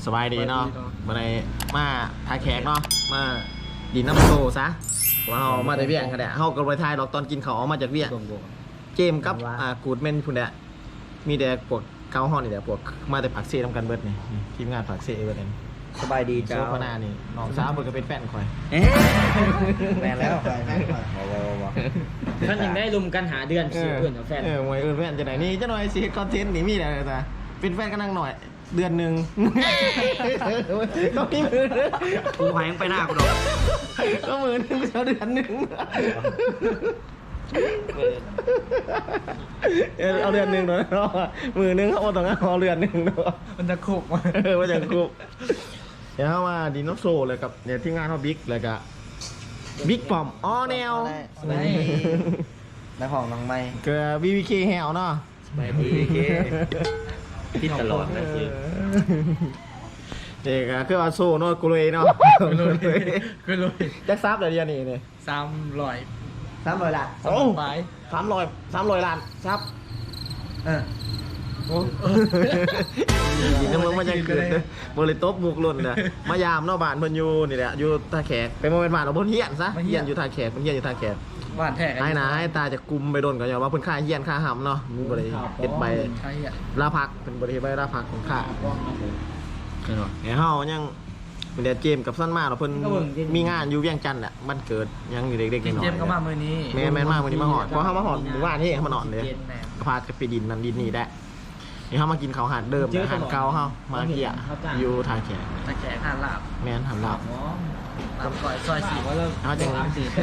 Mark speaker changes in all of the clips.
Speaker 1: สบายดีเนาะมาในมาทายแขกเนาะมาดินน้ำโซซะว่าเรามาจากเวียงกันแหละเขาก็ไปทายดอกตอนกินเขาเอามาจากเวียงเจมกับกูดเมนพุ่นแหละมีแต่พวกเกาห้องนี่แหละพวกมาแต่ผักเซ่ทำกันเบิร์ดนี่ทีมงานผักเซ่เบิร์ดนี่
Speaker 2: สบายดี
Speaker 1: โซ
Speaker 2: เจ้า
Speaker 1: ฟาหน้านี่น้องสาวเบิร์ดก็เป็นแฟนคอย
Speaker 2: แม่แล้ว
Speaker 3: ท่านยังได้ลุมกันหาเดือนสิเพื่อนกับแฟน
Speaker 1: มวยแฟนจะไหนนี่จะหน่อยสิคอนเทนต์นี่มีอะไรจ้ะเป็นแฟนกันนั่งหน่อยเดือนหนึ่งก็มีมือ
Speaker 2: กูหายไปหน้ากูดอก
Speaker 1: ก็มือหนึ่งเดือนหนึ่งเอาเดือนหนึ่งเนาะมือหนึ่งเขาต้องเอาเดือนหนึ่งเนาะ
Speaker 2: มันจะคุกมา
Speaker 1: ว่าจะคุบเดี๋ยวเข้ามาดีโนโซเลยกับเนี่ยที่งานเขาบิ๊กเลยกับบิ๊กปอมอ๋อแนว
Speaker 2: นักของน้องไม้
Speaker 1: เกิดบีบีเคแฮวเนาะ
Speaker 2: ไปดีเคที่ตลอดนะคือ
Speaker 1: เด็กอะคือว่าโซ่เนาะกูเลยเนาะ
Speaker 3: ก็เลย
Speaker 1: แจ็คซับเดี๋ยวเดียวนี่เนี่ย
Speaker 3: 300
Speaker 2: ละ
Speaker 1: โอ้
Speaker 3: ไป
Speaker 1: 300 ล้านซับ
Speaker 2: โอ้
Speaker 1: ยินดีมึงมายังเกิดบริโตบมุกลุ่นนะมายามเนาะบ้านเพิ่นอยู่นี่แหละอยู่ท่าแขกเป็นโมเป็นบ้านเอาเพิ่นเฮียนซะเฮียนอยู่ท่าแขกเพิ่นเฮียนอยู่ท่าแขก
Speaker 3: บ้านแท้
Speaker 1: ให้นะให้ตาจะกุมไปโดนกันอย่างว่าเพิ่นค่าเฮียนค่าหำเนาะมึงบ่ได้เฮ็ดใบ
Speaker 3: ใช่อ่ะ
Speaker 1: ลาพักเป็นบ่ได้เฮ็ดใบลาพักของค่าเฮายังเป็นเดเจมกับสั้นมากเนาะเพิ่นมีงานอยู่เวียงจันทน์น่ะมันเกิดยังอยู่เด็กๆน้อยๆ
Speaker 3: เจมก็มามื้อนี้
Speaker 1: แม่นมากวันนี้มาหอดเพราะเขามาหอดหมู่บ้านที่เขามานอนเลยพาไปดินนั่นดินนี่ได้นี่เขามากินเขาวหาดเดิมอาหารเก่าเขามาเกี่ยอยู่ทางแขก
Speaker 3: ตะแขกหาลาบ
Speaker 1: แม่นหันหลับ
Speaker 3: ลาบก่อยซอย4ว่าเริ่ม
Speaker 1: เขาจัง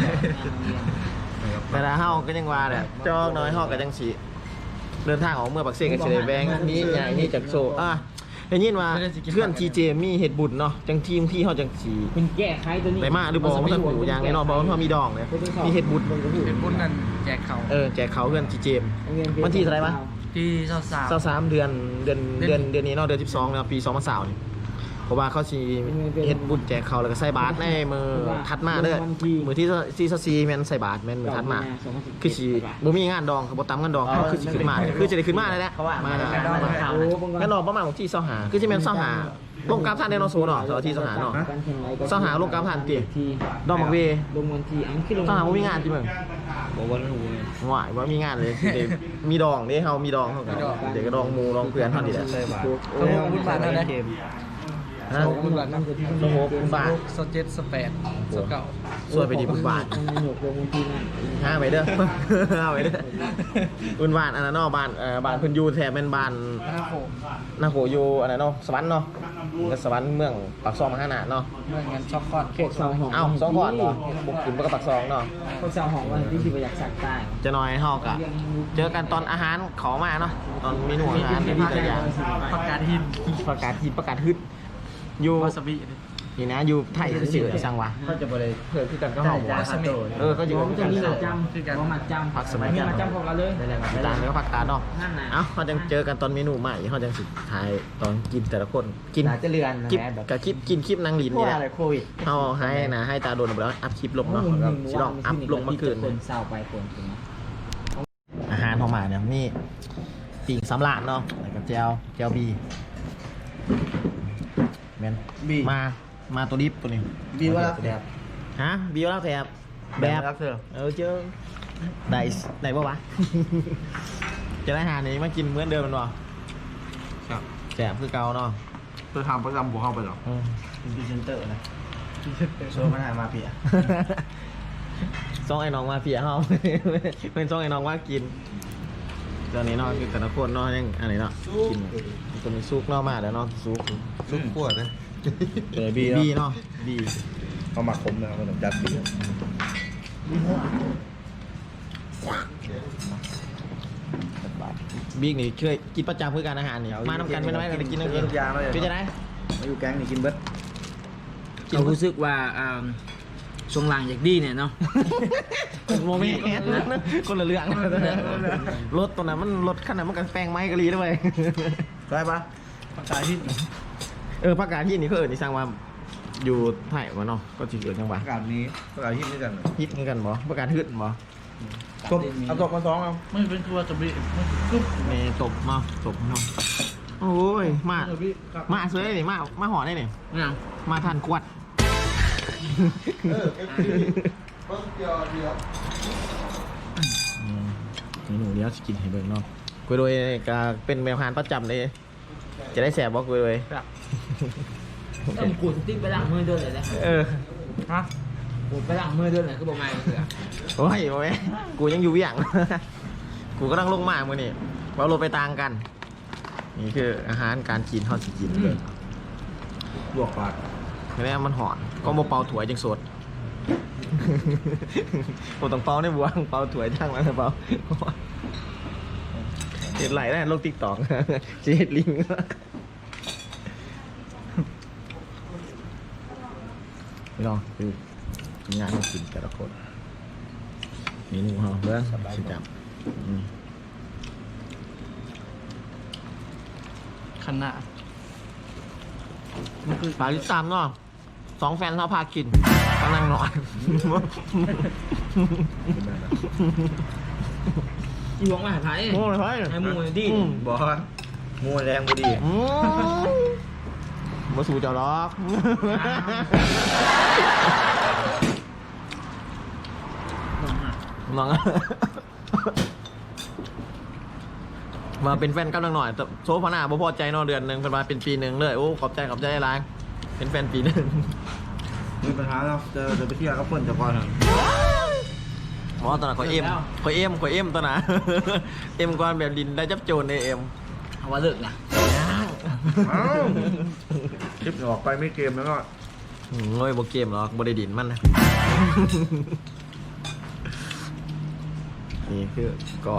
Speaker 1: แต่ละเฮาก็ยังว่าเนี่ยจอกน้อยเฮาก็จังสีเดินทางออกเมื่อปักเสกกับเฉลยแบงนี่ใหญ่นี่จากโซได้ยินว่าเพื่อนทีเจมีเห็ดบุญเนาะจังทีมที่เฮาจังสี
Speaker 3: คุณแก้ไขตัวนี้
Speaker 1: ได้มาหรือบอกว่าท่านหูอย่างไงเนาะบอกว่าเขามีดองเลยมีเห็ดบุญ
Speaker 3: เป็นบุญนั่นแจกเขา
Speaker 1: แจกเขาเพื่อนทีเจมวันที่เท่าไหร่วะ
Speaker 3: ที่23
Speaker 1: 23เดือนนี้เนาะเดือน12เนาะปี2020นี่เพราะว่าเขาสิเฮ็ดบุญแจกเขาแล้วก็ใส่บาตรในมือถัดมาเด้อมือที่24แม่นใส่บาตรแม่นมือถัดมาคือสิบ่มีงานดองก็บ่ตามงานดองเขาคือสิขึ้นมาคือจะได้ขึ้นมาได้แหละมางั้นดอกประมาณวันที่25คือสิแม่น25ลงกราฟท่านในเนาะโซเนาะวันที่25เนาะ25ลงกราฟท่านติดอกมักเว
Speaker 3: ลงวันที่อันคือลง
Speaker 1: 25บ่มีงานติมึง
Speaker 2: บอกว่าหู
Speaker 1: หวายว่ามีงานเลยเดี๋ยวมีดองนี่เฮามีดองเขากันเดี๋ยวก็ดองหมูดองเพื่อนเท่านี้แหละ
Speaker 2: โอ้บุญบาทนั่นนะ
Speaker 1: ฮะ
Speaker 3: บุญบาทนั่นคือที่
Speaker 1: โอ้โหคุณบาท
Speaker 3: 27 28 29
Speaker 1: สวยไปดีคุณบาท
Speaker 3: มันหยกลงที่นั่น
Speaker 1: ห้าไปเด้อห้าไปเด้อคุณบาทอันนั้นเนาะบ้านบ้านเพิ่นอยู่แถบเป็นบ้าน
Speaker 3: นะครับผม
Speaker 1: นาโขอยู่อันนั้นเนาะสวรรค์เนาะก็สวรรค์เมืองปากซองมหานาถเนาะ
Speaker 3: เมื่อเงินช็อกคอดเขต2ห้อง
Speaker 1: เอ้าสองก่อนบ่บุกขึ้นไปกับปากซองเนาะ
Speaker 3: พวกสาวห้องวันที่สิบอยากสักใต้
Speaker 1: จะน้อยเฮากะเจอกันตอนอาหารขอมาเนาะตอนเมนูอาหารที่ตัวอย่าง
Speaker 3: ประกาศหิน
Speaker 1: ประกาศทีประกาศฮึดอยู่
Speaker 3: วาซาบิ
Speaker 1: นี่นะอยู่ไทยคือสิสั่งวะ
Speaker 2: เขาจะบริ
Speaker 1: เพื่อนที่กันก็เฮาบ่
Speaker 3: วาซาบิ
Speaker 1: ก็อยู่
Speaker 3: มันจะมีหมาจำคือกันหมาจำ
Speaker 1: ผักสมัย
Speaker 3: มี
Speaker 1: กัน
Speaker 3: หมาจำของเราเลย
Speaker 1: ตามแล้วก็ผักตาเนาะ
Speaker 3: นั่นน่ะ
Speaker 1: เอ้าเขาจังเจอกันตอนเมนูใหม่เขาจังสิถ่ายตอนกินแต่ละคนกิน
Speaker 2: หนาจะเรือนนะ
Speaker 1: คลิป
Speaker 2: แม่แบบ
Speaker 1: กับคลิปกินคลิปนางลิน
Speaker 2: พว
Speaker 1: นี่
Speaker 2: ก
Speaker 1: แหละ
Speaker 2: อะไรโควิด
Speaker 1: เขาให้นะให้ตาโดนไปแล้วอัพคลิปลงเนาะสิลองอัพลงเมื่อคืน
Speaker 3: คนเศร้าไปคน
Speaker 1: อาหารพอมาเนี่ยนี่ปิ่งสำลาดเนาะแล้วก็แจวบีแมน
Speaker 2: บี
Speaker 1: มาตัวดิฟตัวนี้
Speaker 2: บีว่าแบบ
Speaker 1: ฮะบีว่าแถบแบบ
Speaker 2: รักเธอ
Speaker 1: เจอได้ปะวะ จะได้อาหารนี้มากินเหมือนเดิมมันวะ
Speaker 2: ครับ
Speaker 1: แสบคือเก่าเนาะ
Speaker 2: เธอทำประจำบัวเข้าไปหรอ
Speaker 1: อืม
Speaker 2: เป็นพรีเซนเตอร์นะโชว์มันหามาเปีย
Speaker 1: ซ่องไอ้น้องมาเพียเขา เป็นซ่องไอ้น้องว่ากินตอนนี้เนาะคือแต่ละคนเนาะยังอะไรเนาะกินตัวนี้ซุกเนาะมาแล้วเนาะซุก
Speaker 2: ซุปขวดนะ
Speaker 1: บีเนาะบี
Speaker 2: เขามาคมนะครับขนมจัดบี
Speaker 1: บีนี่เคยกินประจำเพื่อการอาหารนี่มาทำกันเป็นไหมกันกินนั่งกินเป็นจะได้
Speaker 2: มาอยู่แก๊งนี่กินเบิร์ด
Speaker 3: เรารู้สึกว่าช่วงหลังอยากดีเนี่ยเนาะ
Speaker 1: โมเมนต์คนละเรื่องรถตัวนั้นมันรถขนาดมันกันแปลงไม้กะลีด้วย
Speaker 2: ได้ปะ
Speaker 3: ประกาศที่
Speaker 1: ประกาศที่นี่เขานี่สร้างว่าอยู่ไทยมาเนาะก็ถือเกิดจังหวะ
Speaker 2: ประกาศนี้ประกาศฮิตด้วยกัน
Speaker 1: ฮิตเหมือนกันบ่ประกาศฮึดบ่
Speaker 2: ตบเอาตบมาสองเอา
Speaker 3: ไม่เป็นตัวจะบีไม่คือ
Speaker 1: มีตบเนาะตบเนาะโอ้ยมาสวยนี่มาหอได้นี่
Speaker 3: เนี่ย
Speaker 1: มาทานกวดหนูเดี๋ยวสกินให้เบิ่งเนาะกุยโดยก็เป็นแมวพานประจำเลยจะได้แสบบ่กุยโดย
Speaker 3: ต้องกูสติ๊กไปล้างมือด้วยเลยนะ
Speaker 1: ฮะ
Speaker 3: กูไปล้างมือด้วยเลยคือบอกไม่เสือ
Speaker 1: โอ้ยโอ้ยกูยังอยู่เวียง กูก็ต้องลงมามือนี่เราลงไปต่างกัน นี่คืออาหารการกินเท่าสิกินเลย
Speaker 2: ลวกปาก
Speaker 1: ไม่ได้มันหอนก็มาเป่าถั่วยจังสด ผมต้องเป่าในบัวเป่าถั่วยช่างมันเป่าเห็ดไหลได้โลกติ๊กตอก จะเห็ดลิง ไม่ลองคืองานให้กินแต่ละคนนี่หนึ่งห่อเบื้องสิจับ
Speaker 3: ขนาด
Speaker 1: ฝากติดตามเนาะ2 แฟนเขาพากินกำลังนอน
Speaker 3: อีหวงมาหาไทย
Speaker 1: โอ้ยไ
Speaker 3: ไอ้มูดิ
Speaker 2: บอกว่ามูแรงบุดี
Speaker 1: มาสู่เจ้าล็อก น้อง มาเป็นแฟนกันหน่อยแต่โซฟาหน้าบ่พอใจเนอเดือนหนึ่งเป็นมาเป็นปีหนึ่งเลยโอ้ขอบใจอะไรเป็นแฟนปีหนึ่ง
Speaker 2: มีปัญหาแล้วจะไปเที่ยวกับเพื่อนจะก่อน
Speaker 1: หมอตอนนั้นขอเอ็มตอนนั้น เอ็มก่อนแบบดินได้จับโจรในเอ็ม
Speaker 3: เอาว่าเลิกนะ
Speaker 2: คลิปออกไปไม่เกมแล้วก็
Speaker 1: โง่ยโบเกมหรอกโบได้ดินมันนะ นี่คือก่อน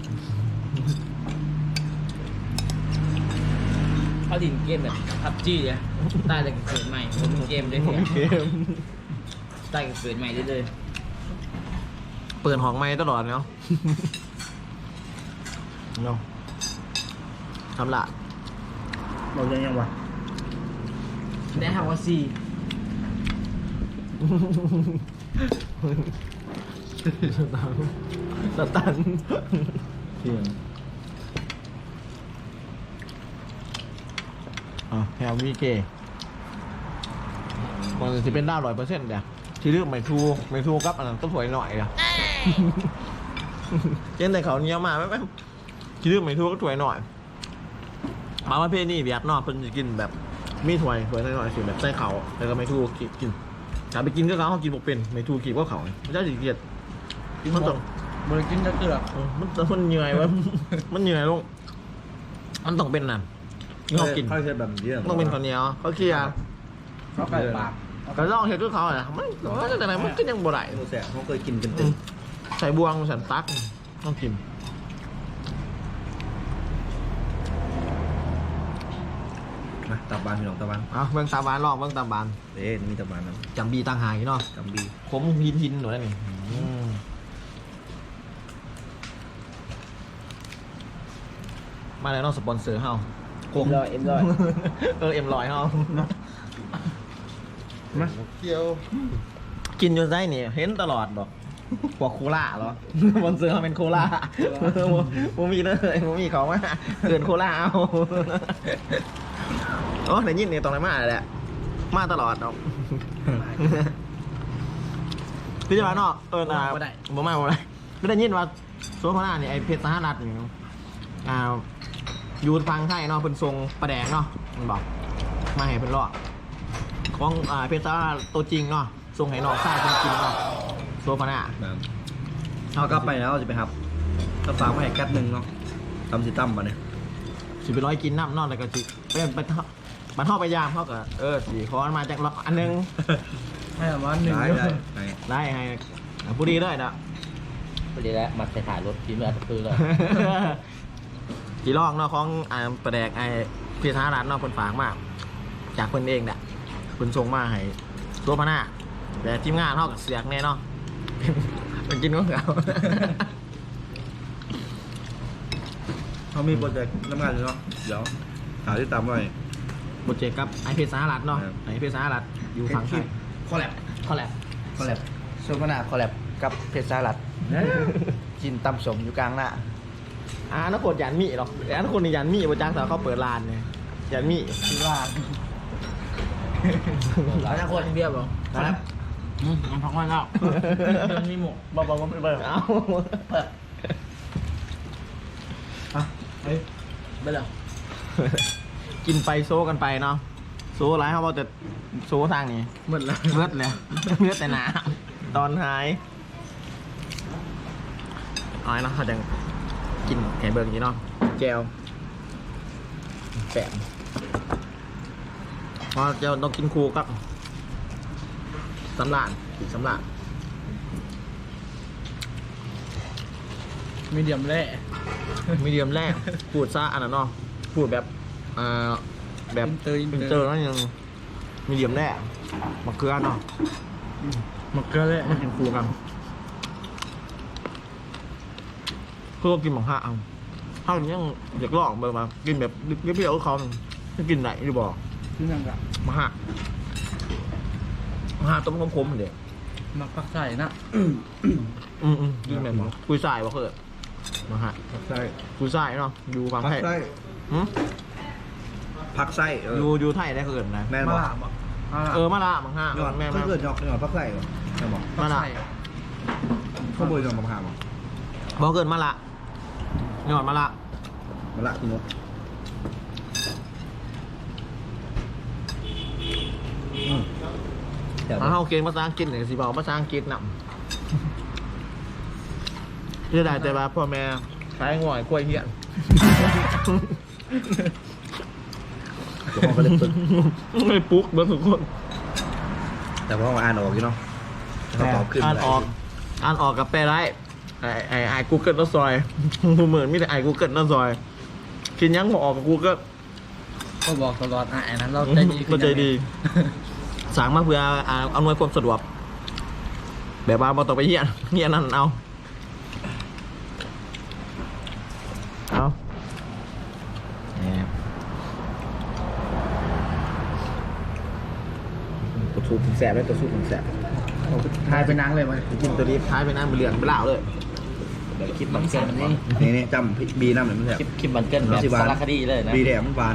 Speaker 3: เขาดินเกมแบบพับจี้เลยตายแต่เกิดใหม่ผมเกมได้เนี่ย
Speaker 1: เกม
Speaker 3: ตายแต่เกิดใหม่ได้เลย
Speaker 1: เปิดห้องไม้ตลอดเนาะ เนาะทำละ
Speaker 2: เราจะยังวะ
Speaker 3: ได้ฮาวาซี
Speaker 1: สตัน
Speaker 2: เที่ยง
Speaker 1: แฮมวีเกมันจะเป็นด้าว100%เดี๋ยวที่เลือกไม่ทูกับอันนั้นก็สวยหน่อยอะ เช่นแต่เขาเนี้ยมาไม่ที่เลือกไม่ทูก็สวยหน่อยมาประเภทนี้เวียดนามเพิ่นจะกินแบบมีถ้วยหน่อยๆสิแบบใส่เขาแล้วก็ไม่ทูกินถ้าไปกินก็เขากินบกเป็นไม่ทูกินก็เขาไม่ใช่สิเกียดมันต้อง
Speaker 3: บริกินจะเกลือ
Speaker 1: มันเหนื่อยวะ มันเหนื่อยลงมันต้องเป็นน่ะที่เขากิน
Speaker 2: เขาใช้แบบนี้
Speaker 1: ต้องเป็นข้าวเหนียวเขาเคลียร์
Speaker 3: เขาไปปาก
Speaker 1: ก็ลองเห็ดด้วยเขาอ่ะมันแต่ไหนมันก็ยังบ่ได้
Speaker 2: โมแสเขาเคยกินกันตึ้ง
Speaker 1: ใส่บวงสันตักต้องกิน
Speaker 2: นะตับบานพี่น้องตับบาน
Speaker 1: เบื้องตาบานลองเบื้องตาบาน
Speaker 2: มีตับบานนะ
Speaker 1: จำบีต่างหากเนาะ
Speaker 2: จำบี
Speaker 1: ขมหินหนูได้นี่มาแล้วเนาะสปอนเซอร์เฮา
Speaker 3: เอ็มร้อย
Speaker 1: เอ็มลอยเฮา
Speaker 2: มาเที่ยว
Speaker 1: กินจนได้นี่เห็นตลอดดอกพวกโคล่าเหรอ บนเสือเขาเป็นโคล่าโมมีเลยโมมีเขามาเกินโคล่าเอาโอ้ในยินเนี่ยตรงไหนมาแหละมาตลอดเนาะพี่จะมาเนาะบ่ได้ไม่ได้ยินว่าโซฟาน่าเนี่ยไอเพชรสหรัฐนี่อยู่ฟังไทยเนาะเป็นทรงประแดงเนาะมันบอกมาให้เป็นรอดของเพชรสหรัฐตัวจริงเนาะทรงไหนอกซ่าจริงๆเนาะโซฟาน่า
Speaker 2: เอากลับไปแล้วจะไปครับถ้าฝากมาให้กัดหนึ่งเนาะทำสิตั้มมาเนี่ย
Speaker 1: สิไปร้อยกินน้ำนอนแล้วก็สิไปมันเข้าไปยามเขาก็สี่คอนมาจากล็อกอันนึง
Speaker 3: ให้ประมาณหนึ่ง
Speaker 1: ได้ให้ผู้ดีด้วยนะ
Speaker 3: พอดีแล้วมาใส่ถ่ายรถทีมอัตคือเลย
Speaker 1: กี่รองเนาะของประแดกพี่ท้าร้านเนาะคนฝากมากจากคนเองเนี่ยคนส่งมาให้ตัวพน้าแต่ทีมงานเท่ากับเสียกแน่เนาะ มันกินของเขา
Speaker 2: เขามีโปรเจกต์น้ำงานอยู่เนาะเดี๋ยวหาที่ตามไว้
Speaker 1: โปรเจกต์กับไอเพชรสหรัฐเนาะไอเพชรสหรัฐอยู่ฝั่งไทย
Speaker 3: คอลแลบโซฟานาคอลแลบกับเพชรสลัดกินตำสมอยู่กลางหน้า
Speaker 1: นักกดยันมีหรอกนักคนนี่ยันมีประจักษ์แต่เขาเปิดร้านเนี่ยยันมี
Speaker 3: คิดว่าแล้วถ้าคนเบี้ยบอก
Speaker 1: ครับ
Speaker 3: มันพักวันแล้วมันมีหมก
Speaker 1: บอกว่าไม่เปิดเอา
Speaker 3: เฮ้ยไปเลย
Speaker 1: กินไปโซกันไปเนาะโซไรเขาบอกจะโซทางนี้
Speaker 3: หมดแล้ว
Speaker 1: เลือดเลยเลือดแต่หนาตอนหายเอาไอ้เนาะเขาจะกินแหนเบิร์กอย่างนี้เนาะแจวแปะพอแจวต้องกินคู่กับสำลานอีกสำลาน
Speaker 3: มีเดียมแร่
Speaker 1: มีเดียมแรกพูดซะอันนั้นเนาะพูดแบบแบบ
Speaker 3: อินเตอร์
Speaker 1: เจอแล้วยังมีเดียมแรกมะเขือเนาะ
Speaker 3: มะเขือแร่
Speaker 1: มันกินคู่กันเพื่อกินหมองห้าเอาถ้ายังอยากลองเบอร์มากินแบบเปรี้ยวๆเขาจะกินไหนหรือบอก
Speaker 3: ที่นั่งกับ
Speaker 1: มาห้ามาห้าต้มขมๆเดี๋ยว
Speaker 3: มักปักใส่นะ
Speaker 1: กินแบบบอกคุยสายว่าเกิดมาห้า
Speaker 2: ผักไส้
Speaker 1: คุยสายเนาะอยู่ฝั่ง
Speaker 2: ผั
Speaker 1: ไท
Speaker 2: ก
Speaker 1: ย
Speaker 2: ไส้
Speaker 1: หืม
Speaker 2: ผักไส้
Speaker 1: อยู่ไทยได้เกิดนะ
Speaker 2: แม่น
Speaker 3: มา
Speaker 2: บอก
Speaker 3: ละบอก
Speaker 1: มาละมังห้า
Speaker 2: หยอด
Speaker 1: แม่
Speaker 2: เพื่อนหยอดผักไส้เหรอแม่บอก
Speaker 1: มาละ
Speaker 2: ข้าวโพดหยอดมะพร้าวเหรอ
Speaker 1: บอกเกิดมาละหยอดมาละ
Speaker 2: มะละคุณนกแต่
Speaker 1: ถ้าเขาเก่งภาษาอังกฤษเนี่ยสิบอกภาษาอังกฤษนำที่ได้แต่ว่าพ่อแม่ขายง่อยกล้วยเหี้ยน
Speaker 2: เดี๋ยวพ่อก็เล่นตึก
Speaker 1: ไม่ปุ๊กเบิร์ทุกคน
Speaker 2: แต่พ่ออ่านออกอยู่เนาะเขาตอบขึ้น
Speaker 1: อ่านออกกับแปลได้ไอ้กูเกิลน้ำซอยเหมือนมีแต่ไอ้กูเกิลน้ำซอยกินยังบอกออกกับกูเกิล
Speaker 3: ก็บอกตลอดไอ้นั้นเราใจดี
Speaker 1: ก็ใจดีสั่งมาเพื่ออำนวยความสะดวกแบบว่าบ่ต้องไปเหี้ยนนั่นเอาเนี่ยตัวสูบผมแสบเลยตัวสูบผมแสบ
Speaker 3: ทายเป็นนางเลยมั้ย
Speaker 1: กินตัวนี้ท้ายไปนั่งไปเรือนไปเล่าเลยเดี๋ยวคลิปมันเกินนี่
Speaker 2: นี่จำบีน้ำหน่อยมันแสบ
Speaker 1: คลิปมันเกินแบบสารคดีเลยนะ
Speaker 2: บีแดงมันหวาน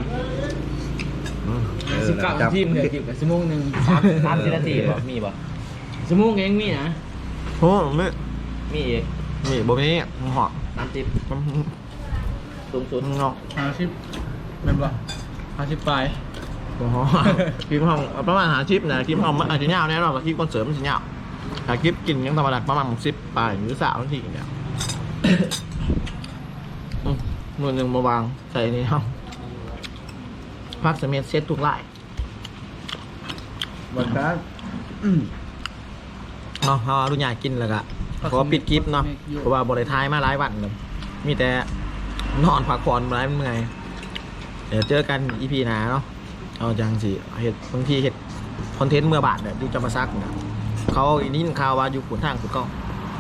Speaker 3: 19ทีมเลยทีมกับชั่วโมงนึง
Speaker 1: 30 นาทีบ่มีบ่
Speaker 3: ชั่วโมงเองมีนะ
Speaker 1: โอ้ไม่
Speaker 3: มีอีก
Speaker 1: มีบ่มีหอม
Speaker 3: 30
Speaker 1: สูงสุดงอก
Speaker 3: 50เป็นบ่50ปลาย
Speaker 1: โอ้โหคลิปห้องประมาณ50นะคลิปห้องมันอาจจะยาวแน่นอนกับคลิปคอนเสิร์ตมันจะยาวแต่คลิปกินยังธรรมดาประมาณ10ปลายหรือ3นาทีเนี่ยมือหนึ่งมาวางใส่นี่ครับพักเสมียนเซตทุกไล่
Speaker 2: วันนั้น
Speaker 1: เนาะเราดูอยากกินแล้วก็ขอปิดคลิปเนาะเพราะว่าบริท้ายมาหลายวันเลยมีแต่นอนพักผ่อนหลายเมื่อยเดี๋ยวเจอกันอีพีหน้าเนาะเอาจังสิเห็ดบางทีเห็ดคอนเทนต์เมื่อบาทเนี่ยดูจะมาซักเนี่ยเขาอีนี่ข่าวว่าอยู่ขุนทางขุนก็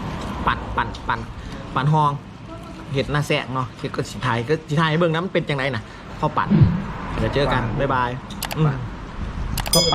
Speaker 1: ปั่นห้องเห็ดหน้าแสกเนาะเห็ดก็สิไทยเบื้องนั้นมันเป็นจังไรน่ะเขาปั่นเดี๋ยวเจอกันบ๊ายบาย